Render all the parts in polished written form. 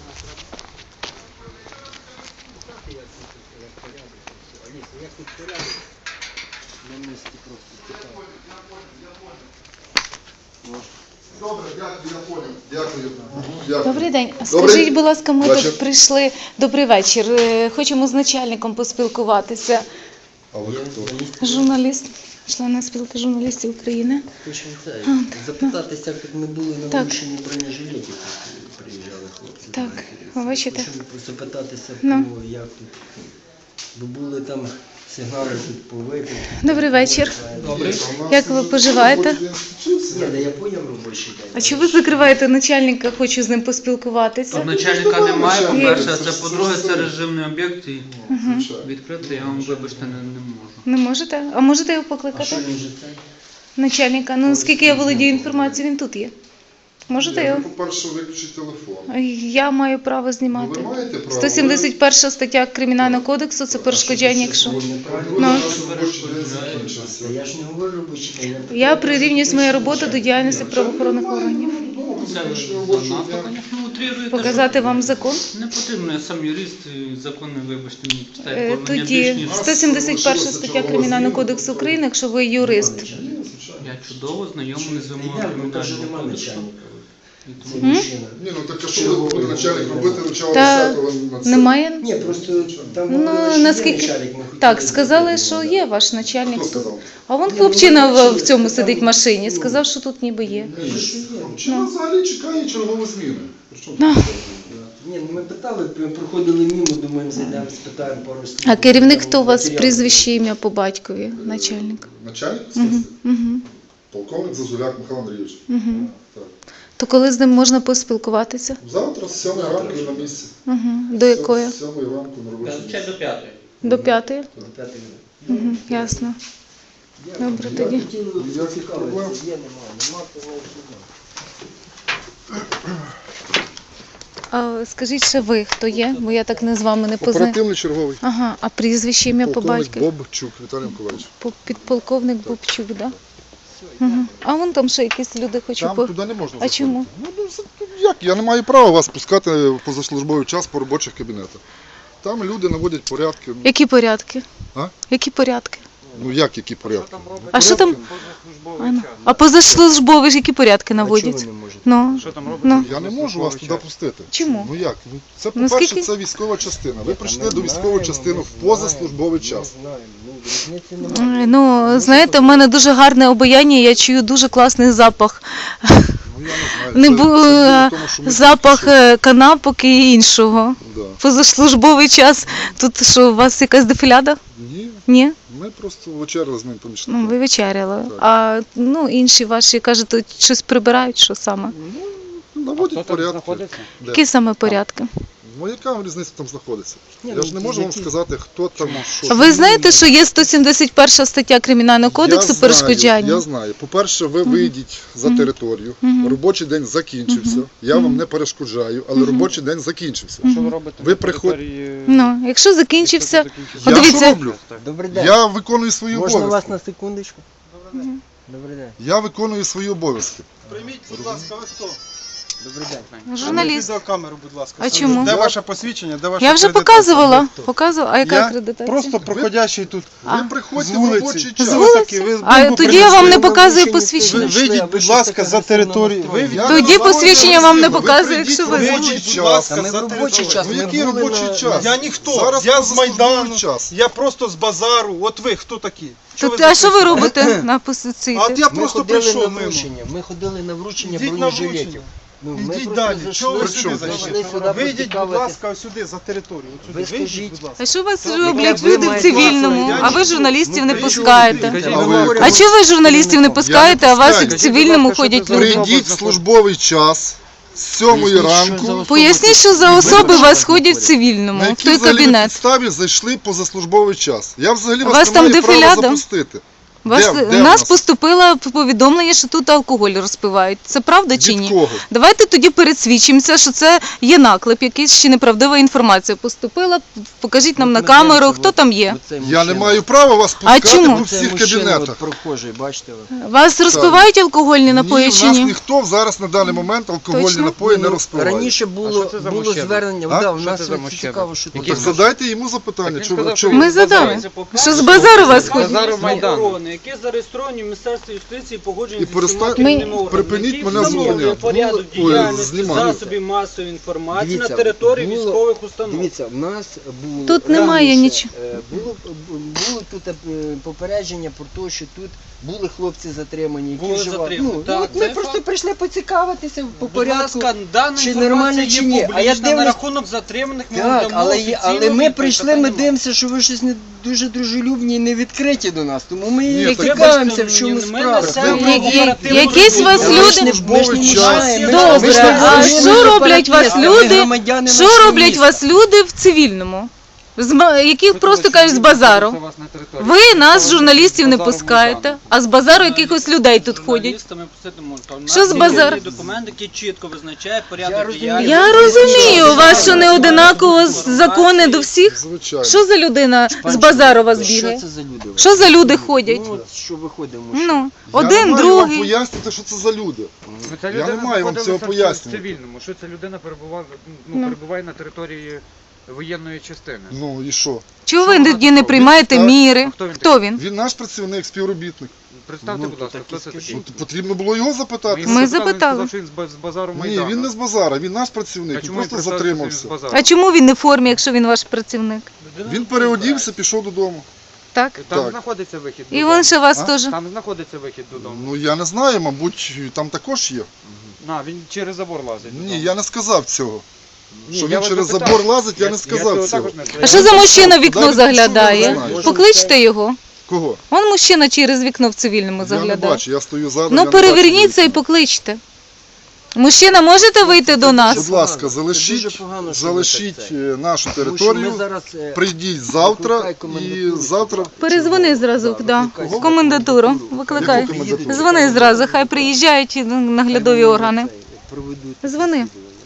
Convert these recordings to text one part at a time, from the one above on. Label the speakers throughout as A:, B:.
A: Як тут порядок? На місці просто цікаво.
B: Добре, дякую, я понял. Дякую.
C: Добрий день. Скажіть, будь ласка, ми тут прийшли. Добрий вечір. Хочемо з начальником поспілкуватися.
B: А ви хто?
C: Журналіст, член спілки журналістів України.
A: Хочемо запитатися, як ми були на врученні бронежилетів, приїжджали хлопці.
C: Так, ви бачите?
A: Хочемо запитатися,
C: Ну.
A: як тут. Бо були там сигнали тут по випадку.
C: Добрий вечір.
A: Добрий.
C: Як ви поживаєте?
A: Ні, я поняв робочий день.
C: А чому ви закриваєте начальника? Хочу з ним поспілкуватися.
D: Тут начальника немає, по-перше, а це по-друге, це режимний об'єкт і
B: Звичайно.
D: відкрити я вам, вибачте, не можу.
C: Не можете? А можете його
A: А що
C: покликати?
A: він же це?
C: Начальника. Ну, оскільки я володію інформацією, він тут є. Можете
B: Ні,
C: його?
B: ви, по-перше, виключіть телефон.
C: Я маю право
B: Ну,
C: знімати.
B: ви маєте право.
C: 171 стаття Кримінального кодексу – це перешкоджання, якщо...
A: Це неправильно.
C: Ну.
B: Робочий день закінчився.
A: Та я ж не говорю робочий день.
C: Я прирівнюю свою роботу до діяльності правоохоронних органів.
D: Це
B: Закінчення робочого
D: занадто,
B: дня.
D: звісно, утріруєте.
C: Показати вам закон?
D: Не потрібно, я сам юрист, і закон не, вибачте, мені читає оформлення
C: Тоді
D: більш ніж.
C: 171 стаття Кримінального кодексу України, якщо ви юрист.
B: Ні, звичайно.
D: Я чудово знайомий з вимогами
A: Йдемо, там же
D: кримінального
A: нема
D: кодексу.
A: начальника.
D: І
A: Це
D: тому-
A: мужчина.
B: Ні, ну так а що ви буде начальник робити, начало
C: Та
B: 10-го на це?
C: немає?
A: Ні, просто там
C: Ну,
A: було, що є
C: наскільки...
A: начальник, ми хотіли
C: Так, сказали,
A: запитати,
C: що
A: ну,
C: є ваш начальник
B: Хто
C: тут.
B: сказав?
C: А вон хлопчина в цьому сидить в машині, сказав, що тут ніби є.
B: Чи взагалі чекає чергової зміни? Причому
C: Ну.
B: тут?
A: Ні, ну ми питали, проходили мимо, думаємо, зайдемо, спитаємо пару слів.
C: А керівник хто у вас?
A: Матеріали.
C: Прізвище, ім'я по батькові? Начальник.
B: Начальник слідства?
C: Угу.
B: Полковник Зазуляк Михайло Андрійович.
C: Угу.
B: Так.
C: То коли з ним можна поспілкуватися?
B: Завтра з 7 ранку на місці.
C: Угу. До якої?
B: З 7 ранку на робочому місці.
D: Ще до 5-ї.
C: До 5?
A: До 5 минут.
C: Угу. Ясно. Добре,
A: Я
C: тоді.
A: хотів
B: Ніяких проблем.
A: зацікавитися, є, нема, то не
C: А скажіть ще ви, хто є? Бо я так не з вами не познаю.
B: Оперативний черговий.
C: Ага, а прізвище, ім'я по
B: Полковник
C: батькові?
B: Бобчук Віталій Миколаївич.
C: Підполковник Бобчук, так? Да? Угу. А вон там ще якісь люди хочуть
B: Там
C: по...
B: туди не можна
C: А
B: заходити.
C: чому?
B: Як? Я не маю права вас пускати в позаслужбовий час по робочих кабінетах. Там люди наводять порядки.
C: Які порядки?
B: А?
C: Які порядки?
B: Ну як які порядки?
C: А що там? А позаслужбові ж які порядки наводять?
A: Чого ви не можете?
C: Ну, ну.
B: Я не можу вас туди пустити.
C: Чому?
B: Ну як? Ну, це,
C: Ну,
B: по-перше,
C: скільки?
B: це військова частина. Ви прийшли
A: Ми
B: до військової
A: знаємо,
B: частини
A: ми
B: в позаслужбовий
A: знаємо,
B: час.
A: ми знаємо. Ну, різниці немає.
C: Ну, знаєте, в мене дуже гарне обаяння, я чую дуже класний запах.
B: Ну я не знаю.
C: Не
B: Це
C: бу...
B: діло в тому, що ми
C: Запах
B: прийшли.
C: канапок і іншого.
B: Да.
C: Позаслужбовий час. Тут що, у вас якась дефіляда?
B: Ні,
C: Ні?
B: ми просто вечеряли з моїм помічником.
C: Ну, ви вечеряли.
B: Так.
C: А ну, інші ваші, кажете, щось прибирають, що саме?
B: Ну, наводять порядки. Де?
C: Які саме порядки?
B: Ну яка вам різниця там знаходиться?
A: Ні,
B: Я
A: ну,
B: ж не можу вам
A: які-
B: сказати, хто там, що.
C: А ви знаєте, що є 171 стаття Кримінального кодексу перешкоджання?
B: Я знаю. По-перше, ви вийдіть за територію. Робочий день закінчився. Я вам не перешкоджаю, але робочий день закінчився.
E: Що ви робите?
B: Ви приходите.
C: Ну, якщо закінчився,
B: Я
C: Подивіться.
B: що роблю?
A: Добрий день.
B: Я виконую свої
A: Можна вас
B: обов'язки.
A: на секундочку? Добрий день.
B: Я виконую свої обов'язки.
E: Прийміть, будь ласка, ви хто?
A: Добрий день.
C: журналіст.
E: Відеокамеру, будь ласка.
C: А чому?
E: Де ваше посвідчення? Де ваша
C: Я вже
E: акредитація?
C: показувала. Показувала. А яка
E: Я
C: акредитація?
E: просто проходящий тут
B: Ви приходьте
E: з
B: в
E: вулиці.
B: робочий
C: З
B: час.
E: Хто
C: вулиці?
E: такий? Ви
C: А
E: бомбу
C: тоді я вам не
E: принесли?
C: показую
A: Ви
C: посвідчення.
E: Вийдіть, будь ласка, за територію.
B: Я
C: Тоді
B: не знаю,
C: посвідчення вам не
B: ви
C: показую,
B: прийдіть
C: якщо
B: в
C: ви
B: робочий
E: Вийдіть, будь
B: час.
E: ласка,
A: Та ми
E: за
A: в робочий
E: територію.
A: час.
B: Ну
A: ми
B: який
A: були
B: робочий
A: на-
B: час?
E: Я ніхто,
B: Зараз
E: я з
B: позаслужбовий
E: Майдану,
B: час.
E: я просто з базару. От ви хто такі? Що
C: Тут, а що ви
E: записуєте?
C: робите на позиції?
E: А от я
A: Ми
E: просто
A: ходили на
E: прийшов мимо.
A: вручення. Ми ходили на вручення
E: Йдіть на
A: бронежилетів.
E: вручення.
A: Ну, ми
E: Ідіть
A: просто
E: далі.
A: зайшли
E: Чого ви
A: сюди,
E: сюди
A: зайшли
E: зайшли?
A: сюди
E: Вийдіть, будь
A: поцікавитись.
E: ласка, сюди, за територію. От
A: Ви
E: сюди. Вийдіть,
A: скажіть.
E: будь ласка.
C: А що вас
A: Як
C: роблять
A: ви
C: люди в
A: маєте
C: цивільному,
E: власне,
C: а ви
E: я
C: журналістів не
A: Ну,
C: пускаєте?
B: А ви-
C: А чого ви журналістів не пускаєте, а вас
B: пускаю.
C: в цивільному ходять люди?
B: Прийдіть в службовий час з 7 ранку.
C: Поясніть, що за особи у вас ходять в цивільному,
B: На
C: в
B: якій
C: той
B: взагалі ви
C: кабінет.
B: підставі зайшли позаслужбовий час? Я взагалі
C: У вас
B: вас не
C: там
B: маю права
C: дефіляда?
B: запустити. Де
C: У нас поступило повідомлення, що тут алкоголь розпивають. Це правда чи
B: Від
C: ні?
B: кого?
C: Давайте тоді пересвідчимося, що це є наклеп, якийсь чи неправдива інформація поступила. Покажіть нам на камеру, хто там є.
B: Я не маю права вас пускати
C: чому?
B: по всіх кабінетах.
A: Прохожий, бачите ви.
C: Вас розпивають алкогольні напої
B: Ні,
C: чи
B: в нас
C: ні?
B: ніхто зараз на даний момент алкогольні
C: Точно?
B: напої не
A: Ну,
B: розпиває.
A: раніше було звернення.
B: А?
A: Да, у
F: Що
A: нас
F: це за
A: от
F: мужчина?
A: цікаво, що
B: Ну,
A: тут.
B: так задайте йому запитання.
F: він
B: Чого-
F: сказав,
B: чого-
C: Ми задали. Що з базару вас ходять?
F: Базару Майдану.
D: Охорони, які зареєстровані в Міністерстві юстиції, погоджені
B: І
D: з усіма
B: перестань-
D: керівними органами,
B: припиніть
D: які
B: мене
D: встановлюють
B: зупиняти.
D: порядок
B: Ой,
D: діяльності
B: знімати.
D: засобів масової інформації
A: Дивіться,
D: на території
A: було-
D: військових установ.
A: Дивіться, в нас було
C: Тут немає
A: раніше,
C: нічого.
A: Було тут попередження про те, що тут були хлопці затримані, які
D: Були
A: вживали.
D: затримані,
A: Ну,
D: так,
A: от ми
D: це
A: просто
D: факт.
A: прийшли поцікавитися по
D: Будь
A: порядку.
D: ласка, дана
A: чи
D: інформація
A: нормально,
D: є
A: чи ні. А я
D: публічна, на
A: дивлюсь-
D: рахунок затриманих ми
A: Так,
D: дамо
A: але
D: офіційну
A: ми
D: відповідь,
A: прийшли,
D: питань
A: ми
D: нема.
A: дивимося, що ви щось не дуже дружелюбні і не відкриті до нас. Тому ми
B: Ні,
A: і
B: так-
A: цікавимося, в
D: Вибачте
A: чому
D: мені, ми
A: справа.
D: несемо
B: Ви-
D: оперативну
C: якісь
D: роботу.
C: вас
A: Ми ж
C: люди-
A: не- ми ж не
B: Службовий
A: мішаємо.
B: час.
C: Добре,
A: Ми ж не
C: а
A: воюємо
C: що роблять
A: сепаратисти,
C: вас
A: ми
C: люди?
A: громадяни
C: Що
A: нашого
C: роблять
A: міста.
C: вас люди в цивільному? Які просто кажуть з базару. Ви нас, журналістів, не пускаєте, а з базару якихось людей тут ходять.
D: Журналістами пустити можна. У нас
C: Що з
D: є
C: базару?
D: документ, який чітко визначає
A: Я
D: порядок
A: розумію.
D: діяльності.
C: Я розумію, у вас що не одинаково закони до всіх?
B: Звичайно.
C: Що за людина з базару вас бігає?
A: Що це за люди?
C: Що за люди ходять?
A: Ну, от що виходимо?
C: Ну,
B: Я не
C: один,
B: маю вам
C: другий.
B: пояснити, що це за люди. Я не маю вам цього пояснювати.
F: Цивільному, що ця людина перебуває на території воєнної частини.
B: Ну і що?
C: Чого ви тоді не приймаєте
B: Так.
C: міри?
F: Хто він
C: Хто він?
B: Він наш працівник, співробітник.
F: Представте,
A: Ну,
F: будь ласка,
A: так
F: хто
A: і
F: це
A: скажіть.
F: такий?
B: Ну, потрібно було його запитати.
C: Ми
F: Він
C: запитали.
F: сказав, що він з базару
B: Ні,
F: Майдану.
B: він не з базара, він наш
F: А
B: працівник, він
F: чому він
B: просто
F: представився, що він з
B: затримався.
F: базару?
C: А чому він не в формі, якщо він ваш працівник?
B: Він переодівся, пішов додому.
C: Так?
F: Там
B: Так.
F: знаходиться вихід
C: І
F: додому.
C: він ще вас
B: А?
C: теж.
F: Там знаходиться вихід додому.
B: Ну я не знаю, мабуть, там також є.
F: Він через забор лазить. додому.
B: Ні, я не сказав цього.
F: Ні,
B: Що
F: я
B: він
F: вас
B: через
F: запитав.
B: забор лазить, я не
F: цього
B: сказав цього.
F: також не
C: А що за мужчина в вікно
B: Куди він пішов, я не
C: заглядає?
B: знаю.
C: Покличте його.
B: Кого?
C: Вон мужчина через вікно в цивільному
B: Я не
C: заглядає.
B: бачу, я стою ззаду. я
C: Ну
B: не
C: переверніться і
B: бачу.
C: покличте. Мужчина, можете вийти до
B: Будь
C: нас?
B: ласка,
A: Це
B: залишіть,
A: дуже погано, що ви так це.
B: нашу
A: Тому що ми
B: територію,
A: зараз,
B: прийдіть завтра
A: викликай
B: і
A: комендатуру.
B: завтра
C: Перезвони зразу, да.
A: викликай
C: В комендатуру. Викликай.
B: Яку комендатуру?
C: Дзвони зразу, хай приїжджають наглядові органи. Дзвони.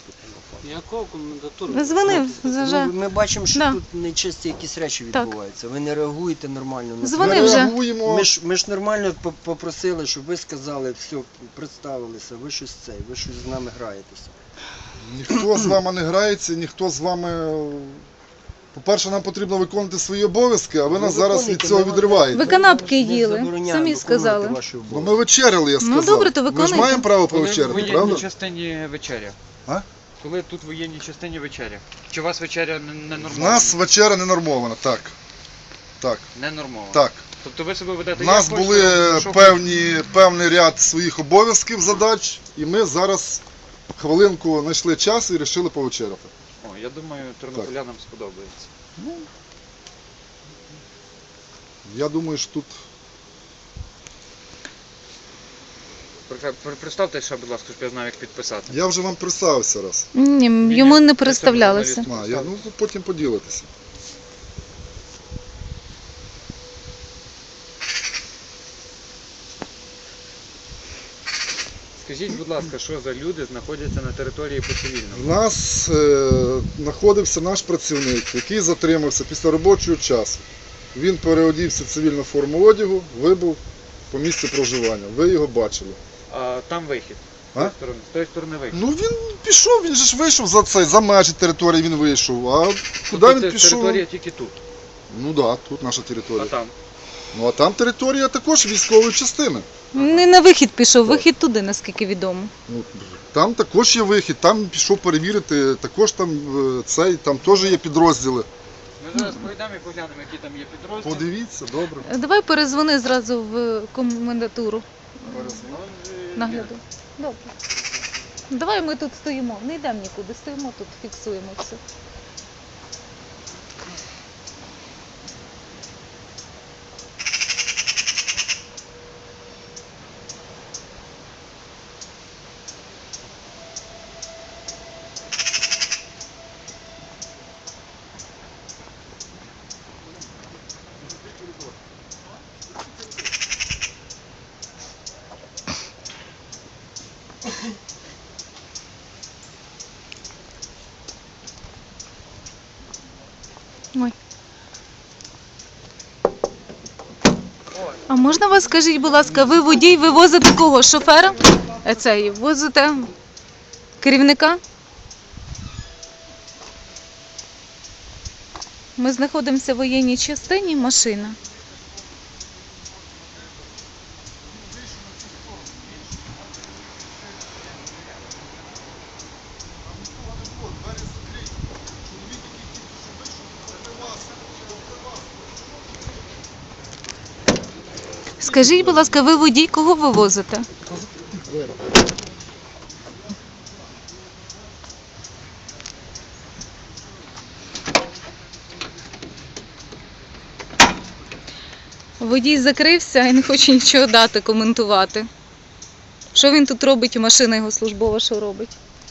D: Якого комендатуру?
C: Дзвони. вже.
A: Ми бачимо, що
C: Да.
A: тут нечисті якісь речі
C: Так.
A: відбуваються. Ви не реагуєте нормально на
C: Дзвони
A: це.
B: ми
C: вже.
B: реагуємо.
A: Ми ж нормально попросили, щоб ви сказали, все, представилися, ви щось ви щось з нами граєтеся.
B: Ніхто з вами не грається, ніхто з вами. По-перше, нам потрібно виконувати свої обов'язки, а ви нас зараз від
A: виконуйте,
B: цього
A: ми вам
B: відриваєте.
C: Ви канапки
A: Не
C: їли,
A: забороняємо
C: самі
A: виконувати
C: сказали.
A: ваші
B: Ну
A: обов'язки.
B: ми вечеряли, я
C: Ну,
B: сказав.
C: добре, то
B: Ми ж
C: виконуйте.
B: маємо право
F: Коли в
B: повечеряти,
F: воєнній
B: правда?
F: частині вечеря.
B: А?
F: Коли тут в воєнній частині вечеря. Чи у вас вечеря не
B: В
F: нормована?
B: нас вечеря не нормована, так. Так,
F: Не нормована.
B: так.
F: Тобто ви себе ведете
B: У нас
F: як
B: були
F: хочете, що
B: певний ряд своїх обов'язків, задач, і ми зараз хвилинку знайшли час і вирішили повечеряти.
F: хочете. О, я думаю, тернополянам сподобається.
B: Я думаю, що тут
F: Представте ще, будь ласка, щоб я знав, як підписати.
B: я вже вам представився раз.
C: Ні, йому не представлялися.
B: Ну, потім поділитися.
F: Скажіть, будь ласка, що за люди знаходяться на території
B: У
F: по-цивільному?
B: нас знаходився наш працівник, який затримався після робочого часу. Він переодівся в цивільну форму одягу, вибув по місцю проживання. Ви його бачили.
F: А там вихід.
B: А?
F: З тої сторони вихід.
B: Ну він пішов, він же ж вийшов за межі території він вийшов. А куди
F: Тобто
B: він
F: це
B: пішов?
F: територія тільки тут.
B: Ну так, да, тут наша
F: А
B: територія.
F: там?
B: Ну а там територія також військової частини.
C: Не на вихід пішов, вихід туди, наскільки відомо.
B: Ну, там також є вихід, там пішов перевірити, також там там теж є підрозділи.
F: Ми зараз пройдемо і поглянемо, які там є підрозділи.
B: Подивіться, добре.
C: Давай перезвони зразу в комендатуру. Нагляду. Добре. Давай ми тут стоїмо, не йдемо нікуди, стоїмо тут, фіксуємо все. Ой. А можна вас, скажіть, будь ласка, ви водій, ви возите кого? Шофера? Цей, возите керівника? Ми знаходимося в воєнній частині, машина. Скажіть, будь ласка, ви водій, кого ви возите? Водій закрився і не хоче нічого дати, коментувати. Що він тут робить, і машина його службова що робить?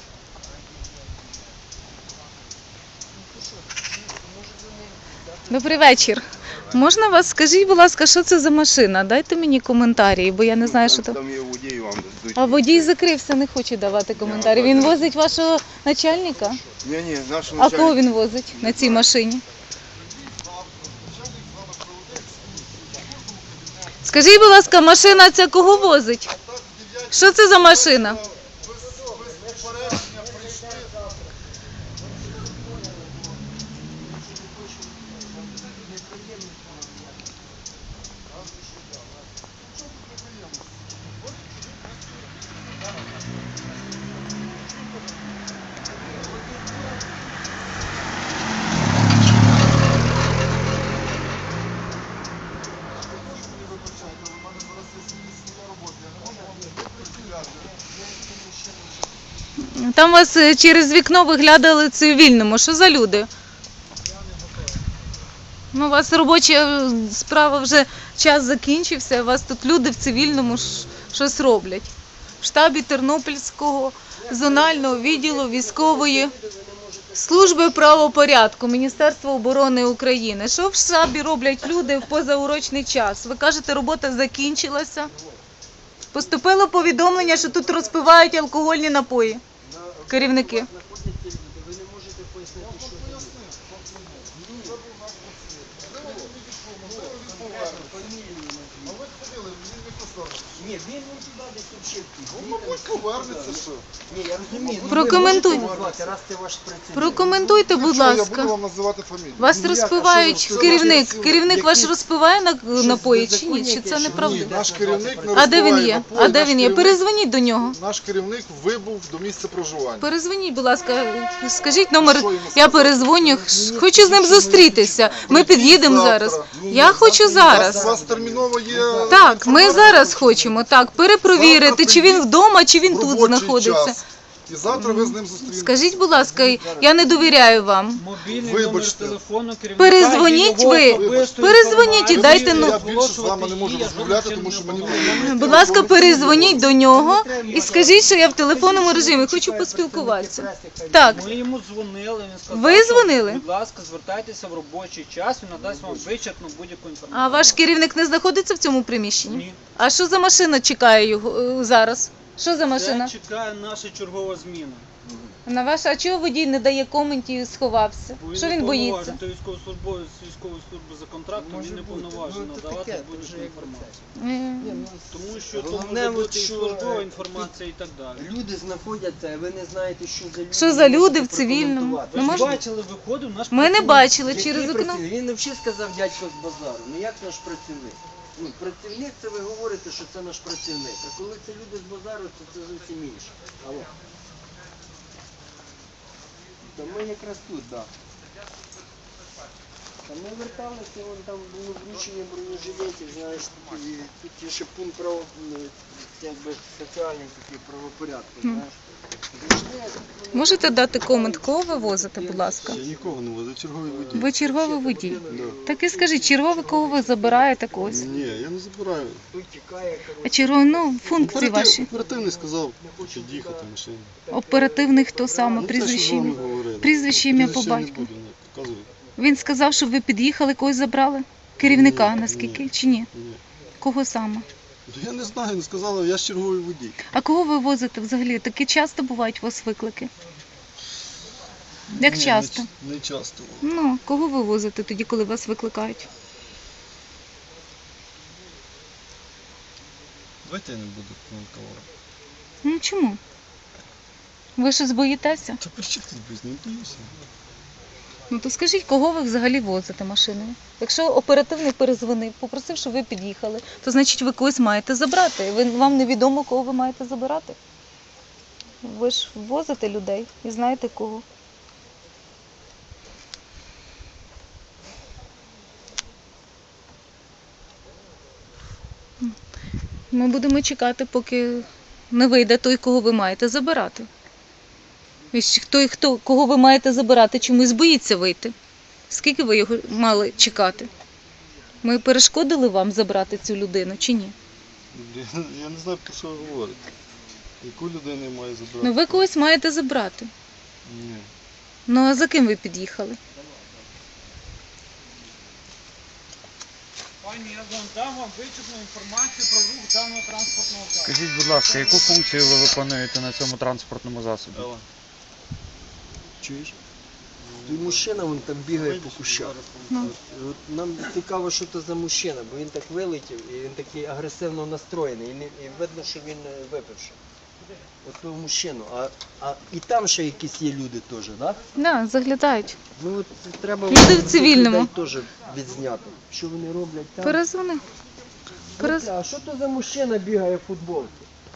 C: Добрий вечір. Можна вас, скажіть, будь ласка, що це за машина? Дайте мені коментарі, бо я не знаю, що там.
G: Там є водій, вам дадуть.
C: А водій закрився, не хоче давати коментарі. Він возить вашого начальника?
G: Ні, наш
C: А кого він возить на цій машині? Скажіть, будь ласка, машина ця кого возить? Що це за машина? Там вас через вікно виглядали цивільному. Що за люди? Ну, у вас робоча справа вже час закінчився, у вас тут люди в цивільному щось роблять. В штабі Тернопільського зонального відділу військової служби правопорядку Міністерства оборони України. Що в штабі роблять люди в позаурочний час? Ви кажете, робота закінчилася. Поступило повідомлення, що тут розпивають алкогольні напої. Керівники.
A: Ви не можете пояснити, що ні, він туди десь вчив.
B: Мабуть, повернеться, що.
A: Ні, я розумію.
C: Прокоментуй.
A: Раз це ваш працівник.
C: Прокоментуйте, будь
B: Що, я буду
C: ласка.
B: вам називати фамілію.
C: Вас розпивають керівник. Керівник ваш розпиває напої чи ні?
A: беззаконня
C: Чи це
A: яке,
B: Ні,
C: неправда?
B: наш керівник не
C: А де він
B: розбиває
C: є?
B: напої,
C: А де
B: наш
C: він є?
B: керівник-
C: Перезвоніть до нього.
B: Наш керівник вибув до місця проживання.
C: Перезвоніть, будь ласка, скажіть номер,
B: Що йому
C: я
B: сказати?
C: перезвоню, хочу з ним зустрітися. Ми під'їдемо зараз. Я хочу
B: У
C: зараз.
B: вас терміново є...
C: Так, ми зараз хочемо, так, перепровірити, чи він вдома, чи він тут
B: робочий
C: знаходиться.
B: час. І завтра ви з ним зустрінетеся.
C: Скажіть, будь ласка, я не довіряю вам.
F: Мобільний
B: Вибачте.
F: номер телефону керівника.
C: Перезвоніть
F: і його
C: ви.
F: особисту
C: Перезвоніть і
F: інформацію.
C: дайте,
B: Я
C: ну,
B: більше з вами не можу розмовляти, тому що мені
C: Будь ласка, перезвоніть до нього і скажіть, що я в телефонному режимі, хочу поспілкуватися. Так,
F: Ми йому дзвонили, він сказав,
C: Ви
F: що,
C: дзвонили?
F: будь ласка, звертайтеся в робочий час, він надасть вам вичерпну будь-яку інформацію.
C: а ваш керівник не знаходиться в цьому приміщенні?
F: Ні.
C: А що за машина чекає його зараз? Що за машина?
F: Це чекає наша чергова зміна.
C: На ваш, а чого водій не дає коментів і сховався?
F: Бо
C: Що
F: не
C: він боїться?
F: повноважений, то військовослужбовець з військової служби за контрактом, він не повноважений надавати будь-яку інформацію. Тому що то
A: Головне,
F: може
A: от
F: бути і
A: що,
F: службова інформація і так далі.
A: Люди знаходяться, а ви не знаєте, що за люди.
C: Що за
A: не
C: люди в
A: можете
C: цивільному?
A: прокоментувати.
F: Ви
C: Ну,
F: ж
C: можна?
F: бачили, виходив наш
C: Ми не
F: працівник.
C: бачили
A: Який
C: через вікно.
A: працівник? Він не взагалі сказав дядько з базару. Ну як наш працівник? Ну, працівник це ви говорите, що це наш працівник. А коли це люди з базару, то це зовсім інше. Алло. Та ми якраз тут, так. Та ми верталися, вон там було вручення бронежилетів, знаєш, і тут є ще пункт якби соціальний такий правопорядку, знаєш.
C: Можете дати комент, кого ви возите, будь ласка?
G: Я нікого не возив, черговий водій.
C: Ви черговий водій.
G: Да.
C: Так і скажіть, черговий, кого ви забираєте когось?
G: Ні, я не забираю.
A: Тут тікає,
C: А черговий, ну, функції ваші.
G: Оперативний сказав, під'їхати машину.
C: Оперативний хто саме?
G: Ну, те, що
C: Прізвище
G: з вами
C: ім'я?
G: говорили.
C: Прізвище ім'я по
G: Прізвище я не
C: батьку.
G: буду, ні, показую.
C: Він сказав, що ви під'їхали, когось забрали? Керівника,
G: Ні,
C: наскільки?
G: ні.
C: Чи ні?
G: Ні.
C: Кого саме?
G: Я не знаю, не сказала, я ж черговий водій.
C: А кого ви возите взагалі? Такі часто бувають у вас виклики? Як
G: Ні,
C: часто?
G: Не часто.
C: Ну, кого ви возите тоді, коли вас викликають?
G: Давайте я не буду коментувати.
C: Ну чому? Ви щось боїтеся?
G: Та при чому тут без не боюся?
C: Ну то скажіть, кого ви взагалі возите машиною? Якщо оперативник перезвонив, попросив, щоб ви під'їхали, то значить ви когось маєте забрати. Вам невідомо, кого ви маєте забирати. Ви ж возите людей і знаєте кого. Ми будемо чекати, поки не вийде той, кого ви маєте забирати. І кого ви маєте забирати, чомусь боїться вийти. Скільки ви його мали чекати? Ми перешкодили вам забрати цю людину чи ні?
G: Я не знаю, про що ви говорите. Яку людину я маю забрати?
C: Ну ви когось маєте забрати.
G: Ні.
C: Ну а за ким ви під'їхали?
F: Пані, я дам вам вичерпну інформацію про рух даного транспортного засобу.
H: Скажіть, будь ласка, яку функцію ви виконуєте на цьому транспортному засобі?
A: Чуєш? Той мужчина вон там бігає по кущах.
C: Ну.
A: От нам цікаво, що це за мужчина, бо він так вилетів і він такий агресивно настроєний. І видно, що він випивши. От того мужчину. І там ще якісь є люди теж, так? Да?
C: Да, заглядають.
A: Ну от треба
C: Люди в
A: цих
C: цивільному.
A: людей теж відзняти. Що вони роблять там?
C: Перезвони.
A: А що то за мужчина бігає в футболці?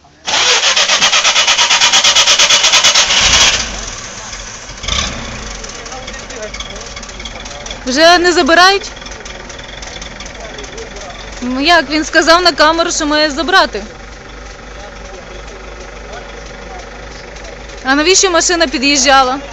C: Вже не забирають? Ну як, він сказав на камеру, що має забрати. А навіщо машина під'їжджала?
F: А про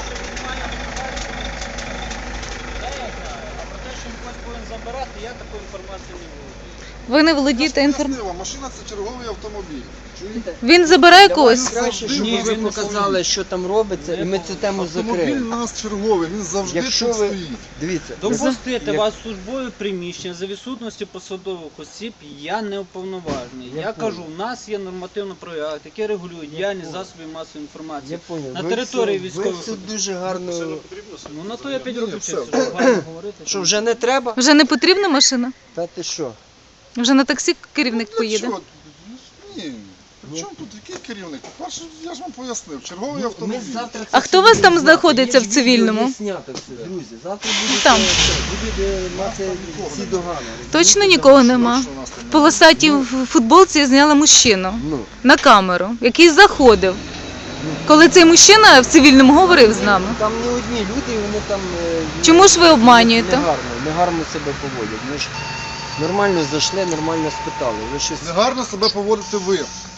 F: те, що він когось повинен забирати, я такої інформації не володію.
C: Ви не володієте інформацією.
B: Пояснила, машина це черговий автомобіль. Чуєте?
C: Він забирає когось?
A: Краще, щоб
F: Ні,
A: ви
F: він
A: показали, що там робиться, і ми цю тему
B: Автомобіль
A: закриємо.
B: у нас черговий, він завжди
A: Якщо
B: тут
A: ви-
B: стоїть.
A: Дивіться,
F: Допустити
A: як-
F: вас в службове приміщення за відсутності посадових осіб я не уповноважений.
A: Я
F: Я
A: понял.
F: кажу, у нас є нормативно-правові акти, які регулюють діяльність
A: понял.
F: засобів масової інформації.
A: Я понял.
F: На
A: Ви
F: території
A: все-
F: військових
A: Ви все
F: об'єктів.
A: дуже гарно.
F: Ну на то я 5
B: Ні,
F: років
B: все.
F: вчився, щоб гарно говорити.
A: Що, вже не треба?
C: Вже не потрібна машина?
A: Та ти що?
C: Вже на таксі керівник поїде?
B: Чого? Ні. При чому тут який керівник? По-перше, я ж вам пояснив, черговий
A: Ми
B: автомобіль.
A: завтра це
C: А хто у вас
A: все
C: там
A: будемо
C: знаходиться
A: знати.
C: в
A: Є ж відео,
C: цивільному?
A: є знято все, друзі. Завтра будуть,
C: Там.
A: будуть мати всі догани.
C: Точно нікого нема?
B: Що у нас там
C: В полосатій в футболці я зняла мужчину
A: Ну,
C: на камеру, який заходив. Коли цей мужчина в цивільному говорив з нами.
A: там не одні люди, і вони там
C: Чому ж ви обманюєте?
A: негарно себе поводять. Ми ж нормально зайшли, нормально спитали. Ви щось.
B: Негарно себе поводите ви.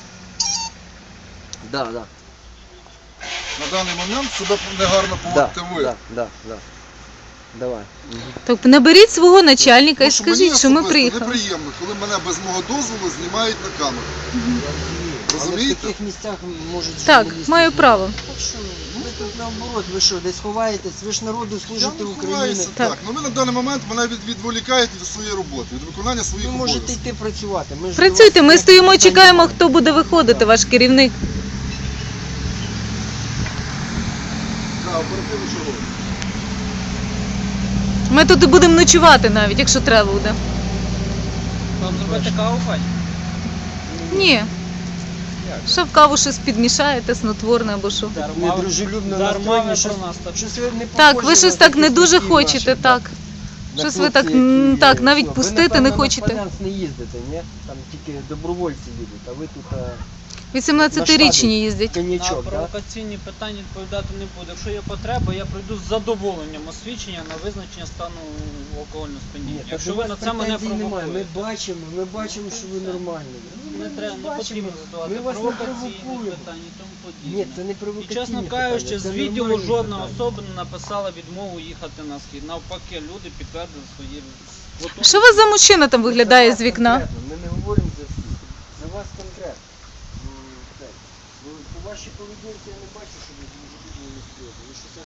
A: Да.
B: На даний момент себе негарно поводите ви.
A: Да. Давай.
C: Так наберіть свого начальника і
B: Тому що мені
C: скажіть, що ми
B: особисто
C: приїхали.
B: неприємно, коли мене без мого дозволу знімають на камеру.
A: Але в
B: Розумієте?
A: таких місцях можуть
C: Так,
A: журналісти
C: маю
A: знімати.
C: право.
A: Так що, ви тут наоборот, ви що, десь ховаєтесь, ви ж народу
B: Я
A: служите
B: не
A: Україні.
B: ховаюся,
C: Так.
B: так. Ну ви на даний момент мене відволікаєте від своєї роботи, від виконання своїх
A: Ви можете
B: обов'язків.
A: йти працювати. Ми ж
C: Працюйте,
A: до вас
C: ми
A: ніяких
C: стоїмо,
A: питань
C: чекаємо,
A: немає.
C: хто буде виходити, ваш керівник.
B: Так, оперативно чого?
C: Ми тут і будемо ночувати навіть, якщо треба буде.
F: Вам зробити каву, пані?
C: Ні. Що в каву щось підмішаєте, снотворне або що.
A: Недружелюбно
F: Дарма
A: настроєні,
F: ви
A: щось,
F: про нас так.
A: щось ви не
C: Так,
A: похожі
C: ви щось
A: на
C: так не
A: таких
C: дуже
A: батьків
C: хочете,
A: наших,
C: так.
A: на
C: Щось ви
A: хлопців,
C: так,
A: які,
C: так, навіть
A: ви,
C: пустити
A: напевно,
C: не
A: на
C: хочете.
A: Полянськ не їздите, ні? Там тільки добровольці їдуть, а ви тут
C: 18-річні їздять.
F: На
A: коньячок, так?
F: провокаційні питання відповідати не буду. Якщо є потреба, я пройду з задоволенням освідчення на визначення стану алкогольного сп'яніння.
A: Ні,
F: Якщо
A: так
F: ви
A: у
F: на
A: вас
F: це мене
A: претензій немає.
F: провокуєте.
A: Ми бачимо, що ви нормальні.
F: Не треба, не потрібно задавати
A: Ми вас не
F: провокаційні
A: провокуємо.
F: питання і тому подібне.
A: Ні, це не
F: І
A: провокаційні
F: чесно
A: питання,
F: кажучи,
A: це
F: з відділу
A: нормальні
F: жодна
A: питання.
F: особа не написала відмову їхати на схід. Навпаки, люди підтвердили свої готовності.
C: Що у вас за мужчина там виглядає
A: За
C: з
A: вас
C: вікна?
A: конкретно, ми не говоримо за всіх. За вас конкретно. Так. По вашій поведінці я не бачу, що ви дуже серйозні. Ви щось